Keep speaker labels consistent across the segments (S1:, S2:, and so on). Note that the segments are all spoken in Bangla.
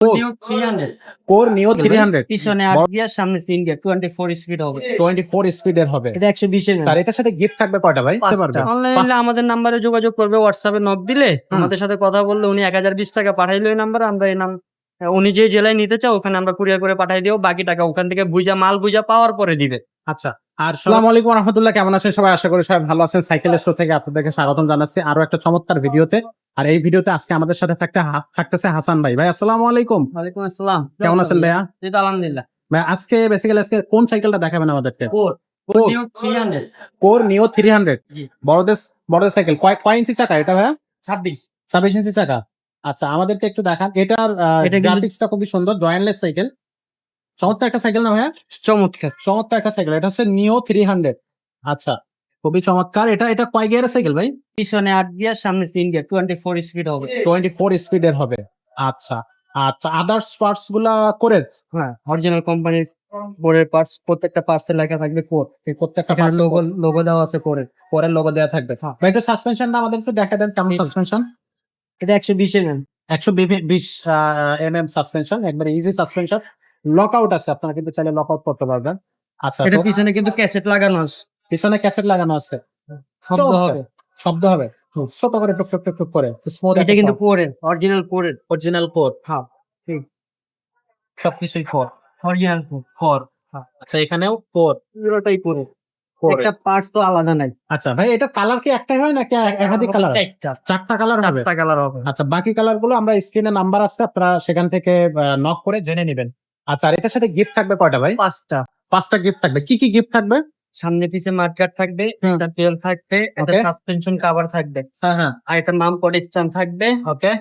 S1: নিউ 300
S2: কোর নিও 300
S1: পিছনে 8 গিয়ার সামনে 3 গিয়ার 24 স্পিড হবে
S2: 24 স্পিডের হবে।
S1: এটা 120 এর
S2: স্যার এটার সাথে গিফট থাকবে কয়টা ভাই? দিতে পারবে?
S1: অনলাইনে আমাদের নাম্বারে যোগাযোগ করবে, হোয়াটসঅ্যাপে নক দিলে আমাদের সাথে কথা বললে উনি 1020 টাকা পাঠাইলো এই নাম্বারে, আমরা এই নাম উনি যে জেলায় নিতে চাও ওখানে আমরা কুরিয়ার করে পাঠাই দিও, বাকি টাকা ওখান থেকে মাল বুঝা পাওয়ার পরে দিবে।
S2: আচ্ছা, আর আসসালামু আলাইকুম ওয়া রাহমাতুল্লাহ, কেমন আছেন সবাই? আশা করি সবাই ভালো আছেন। সাইকেল স্টোর থেকে আপনাদেরকে স্বাগতম জানাচ্ছি আরো একটা চমৎকার ভিডিওতে। আর এই ভিডিওতে আজকে আমাদের সাথে থাকতেছে হাসান ভাই। ভাই আসসালামু আলাইকুম।
S1: ওয়ালাইকুম আসসালাম,
S2: কেমন আছেন ভাইয়া?
S1: এই তো আলহামদুলিল্লাহ।
S2: ভাই আজকে বেসিক্যালি কোন সাইকেলটা দেখাবেন আমাদেরকে?
S1: কোর
S2: কোর
S1: নিউ 300
S2: কোর নিও 300
S1: জি।
S2: বড়দের সাইকেল কয় ইঞ্চি চাকা এটা ভাইয়া?
S1: 26
S2: ইঞ্চি চাকা। আচ্ছা, আমাদেরকে একটু দেখান। এটার
S1: এটা কিন্তু-
S2: গ্রাফিক্সটা খুবই সুন্দর, জয়েন্টলেস সাইকেল। চমৎকার একটা সাইকেল না ভাইয়া?
S1: চমৎকার।
S2: একটা সাইকেল। এটা হচ্ছে নিও 300। আচ্ছা, খুবই চমৎকার। এটা কয় গিয়ারের সাইকেল ভাই?
S1: পিছনে 8 গিয়ার সামনে 3 গিয়ার 24 স্পিড হবে
S2: 24 স্পিডের হবে। আচ্ছা আচ্ছা, আদার্স পার্টস গুলা কোরের?
S1: হ্যাঁ, অরিজিনাল কোম্পানির বোর্ডের পার্টস, প্রত্যেকটা পার্টসে লেখা থাকবে কোর।
S2: এই প্রত্যেকটা
S1: এখানে
S2: parts
S1: লোগো দেওয়া আছে কোরের।
S2: কোরের লোগো দেওয়া থাকবে।
S1: হ্যাঁ।
S2: ভাই একটু সাসপেনশনটা আমাদের একটু দেখা দেন, কেমন
S1: জি।
S2: সাসপেনশন?
S1: এটা 120 এর
S2: 120 mm সাসপেনশন, একবারে ইজি সাসপেনশন। লকআউট আছে, আপনারা কিন্তু চাইলে লকআউট করতে পারবেন। আচ্ছা,
S1: এটা
S2: তো
S1: পিছনে কিন্তু ক্যাসেট লাগানো আছে,
S2: পিছনে ক্যাসেট লাগানো আছে।
S1: শব্দ
S2: চমৎকার।
S1: হবে।
S2: শব্দ হবে ছোট করে টুক টুক টুক টুক করে স্মুথ।
S1: এটা কিন্তু কোরের, অরিজিনাল কোরের।
S2: Original core.
S1: হ্যাঁ, ঠিক।
S2: সবকিছুই কোর।
S1: Original core.
S2: আচ্ছা, এখানেও কোর।
S1: পুরোটাই কোরের।
S2: কোর।
S1: একটা পার্টস তো আলাদা নাই।
S2: আচ্ছা ভাই, এটা কালার কি একটাই হয় নাকি একাধিক কালার? চারটা কালার হবে।
S1: চারটা কালার হবে।
S2: আচ্ছা, বাকি কালার গুলো আমরা স্ক্রিনে নাম্বার আছে, আপনারা সেখান থেকে নক করে জেনে নেবেন। আচ্ছা, আর এটার সাথে গিফট থাকবে কয়টা ভাই? 5টা গিফট থাকবে। কি কি গিফট থাকবে?
S1: সামনে পিছে মাডগার্ড থাকবে, একটা তেল থাকবে, একটা
S2: Okay.
S1: সাসপেনশন কভার থাকবে,
S2: হ্যাঁ,
S1: আর একটা নাম পড স্ট্যান্ড থাকবে।
S2: ওকে।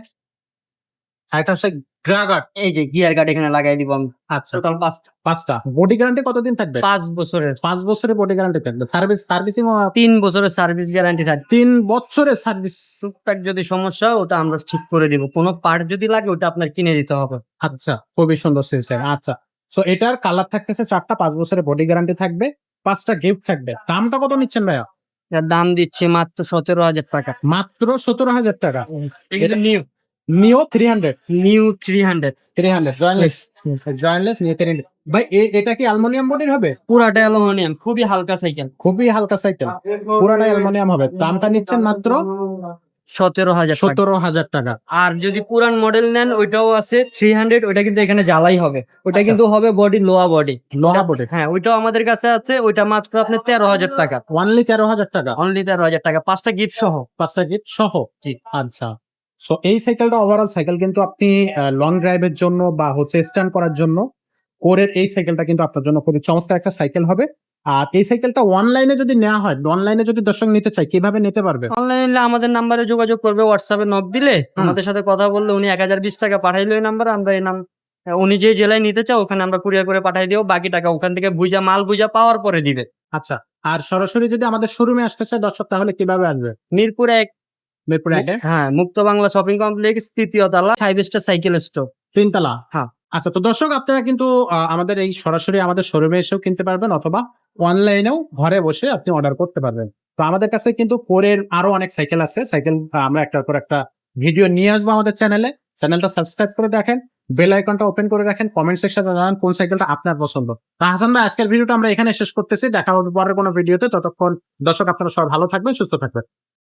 S2: আর এটা হচ্ছে ড্রাগার।
S1: এই যে গিয়ার গার্ড এখানে লাগাই দিব আমি।
S2: আচ্ছা,
S1: টোটাল
S2: 5টা। বডি গ্যারান্টি কতদিন থাকবে?
S1: 5 বছরের।
S2: 5 বছরের বডি গ্যারান্টি থাকবে। সার্ভিসিং
S1: 3 বছরের সার্ভিস গ্যারান্টি থাকবে।
S2: 3 বছরের সার্ভিস।
S1: টুকটাক যদি সমস্যা হয় ওটা আমরা ঠিক করে দিব, কোনো পার্ট যদি লাগে ওটা আপনার কিনে দিতে হবে।
S2: আচ্ছা, খুবই সুন্দর সিস্টেম। আচ্ছা, সো এটার কালার থাকতেছে 4টা, 5 বছরের বডি গ্যারান্টি থাকবে, 5টা গিফট থাকবে। দামটা কত নিচ্ছেন ভাইয়া?
S1: এর দাম দিচ্ছে মাত্র 17,000 টাকা।
S2: মাত্র 17,000 টাকা।
S1: এটা
S2: নিও 300
S1: নিউ 300
S2: জয়েন্টলেস নিও 300। ভাই এটা কি অ্যালুমিনিয়াম বডির হবে?
S1: পুরাটা অ্যালুমিনিয়াম, খুবই হালকা সাইকেল।
S2: খুবই হালকা সাইকেল, পুরাটা অ্যালুমিনিয়াম হবে। দামটা নিচ্ছেন মাত্র
S1: 17,000 টাকা।
S2: 17,000 টাকা।
S1: আর যদি পুরান মডেল নেন ওইটাও আছে 300, ওইটা কিন্তু এখানে জ্বালাই হবে, ওইটা
S2: আচ্ছা।
S1: কিন্তু হবে বডি লোয়া বডি।
S2: লোহা বডি।
S1: হ্যাঁ, ওইটাও আমাদের কাছে আছে, ওইটা মাত্র আপনার 13,000 টাকা।
S2: অনলি 13,000 টাকা।
S1: অনলি 13,000 টাকা, 5টা গিফট সহ।
S2: 5টা গিফট সহ।
S1: জি।
S2: আচ্ছা, সো এই সাইকেলটা ওভারঅল সাইকেল কিন্তু আপনি লং ড্রাইভের জন্য বা হচ্ছে স্ট্যান্ড করার জন্য কোরের এই সাইকেলটা কিন্তু আপনার জন্য খুবই চমৎকার একটা সাইকেল হবে। আর এই সাইকেলটা অনলাইনে যদি নেওয়া হয়, অনলাইনে যদি দর্শক নিতে চায় কিভাবে নিতে পারবে?
S1: অনলাইনে আমাদের নাম্বারে যোগাযোগ করবে, হোয়াটসঅ্যাপে নক দিলে আমাদের সাথে কথা বললে উনি 1020 টাকা পাঠাইলো এই নাম্বারে, আমরা এই নাম উনি যে জেলায় নিতে চাও ওখানে আমরা কুরিয়ার করে পাঠাই দিও, বাকি টাকা ওখান থেকে মাল বুঝা পাওয়ার পরে দিবে।
S2: আচ্ছা, আর সরাসরি যদি আমাদের শোরুমে আসতে চায় দর্শক তাহলে কিভাবে আসবে?
S1: মিরপুর 1।
S2: মিরপুর 1-এ?
S1: হ্যাঁ, মুক্ত বাংলা শপিং কমপ্লেক্স, 3য় তলা, 5 স্টার সাইকেল স্টোর।
S2: 3 তলা।
S1: হ্যাঁ।
S2: আচ্ছা, তো দর্শক আপনারা কিন্তু আমাদের এই সরাসরি আমাদের শোরুমে এসেও কিনতে পারবেন, অথবা অনলাইনেও ঘরে বসে আপনি অর্ডার করতে পারবেন। তো আমাদের কাছে কিন্তু কোরের আরো অনেক সাইকেল আছে। আমরা একটার পর একটা ভিডিও নিয়ে আসবো আমাদের চ্যানেলটা সাবস্ক্রাইব করে রাখেন, বেল আইকনটা ওপেন করে রাখেন, কমেন্ট সেকশনে জানান কোন সাইকেলটা আপনার পছন্দ। তো হাসান ভাই, আজকের ভিডিওটা আমরা এখানে শেষ করতেছি। দেখা হবে পরের কোনো ভিডিওতে। ততক্ষণ দর্শক আপনারা সবাই ভালো থাকবেন, সুস্থ থাকবেন।